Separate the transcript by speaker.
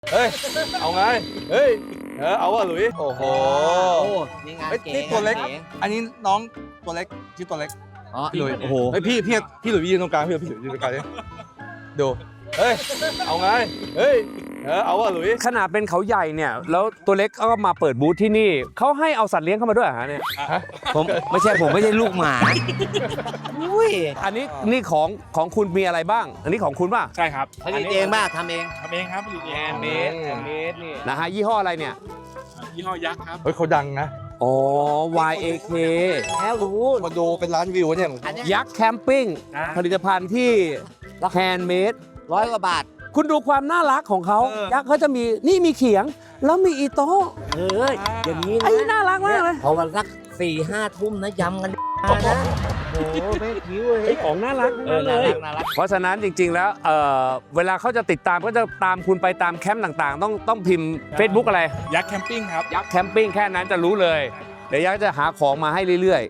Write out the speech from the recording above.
Speaker 1: เฮ้ยเอาไงเฮ้ยเอาว่ะหลุยโอ้โห
Speaker 2: นี่งานเก๋
Speaker 1: นี่ตัวเล็กอันนี้น้องตัวเล็กชื่อตัวเล็ก
Speaker 2: อ๋อ
Speaker 1: พี่หลุย
Speaker 2: โอ้โห
Speaker 1: เฮ้ยพี่หลุยยืนตรงกลางพี่หลุยยืนตรงกลางดิดูเฮ้ยเอาไงเฮ้ยเอาว่ะหลุย
Speaker 3: ขนาดเป็นเขาใหญ่เนี่ยแล้วตัวเล็กก็มาเปิดบูธที่นี่เขาให้เอาสัตว์เลี้ยงเข้ามาด้วยเหรอฮะเนี่ย
Speaker 2: ผมไม่ใช่ลูกหมาอุ้ย
Speaker 3: อันนี้นี่ของคุณมีอะไรบ้าง อันนี้ของคุณป่ะ
Speaker 4: ใช่ครับ
Speaker 2: ผลิตเองบ้าทำเอง
Speaker 4: ทำเองครับผลิตเอง
Speaker 3: แอนเมดนี่นะฮะยี่ห้ออะไรเนี่ย
Speaker 4: ยี่ห้อยักษ์ครับ
Speaker 1: เฮ้ยเขาดังนะ
Speaker 3: อ๋อ YAK
Speaker 2: แล้วรู้
Speaker 1: มาดูเป็นร้านวิวเนี่ย
Speaker 2: อันเนี้ย
Speaker 3: ยักษ์แคมปิ้งผลิตภัณฑ์ที่แฮนด์เมด
Speaker 2: 100 กว่าบาท
Speaker 3: คุณดูความน่ารักของเขายักษ์เขาจะมีนี่มีเขียง แล้วมีอีโต้
Speaker 2: เฮ้ยอย่างนี้
Speaker 3: ไอ้
Speaker 2: นะ
Speaker 3: น่ารักมากเลย
Speaker 2: พอวันสัก4-5 ทุ่มนะยำกันนะโอ้โหไม่คิ้วเลย
Speaker 3: ไอ้ของน่ารัก
Speaker 2: น่ารัก
Speaker 3: เพราะฉะนั้นจริงๆแล้วเวลาเขาจะติดตามก็จะตามคุณไปตามแคมป์ต่างๆ ต้องพิมพ์ Facebook อะไร
Speaker 4: ยักษ์แคมปิ้งครับ
Speaker 3: ยักษ์แคมปิ้งแค่นั้นจะรู้เลย เดี๋ยวยักษ์จะหาของมาให้เรื่อยๆ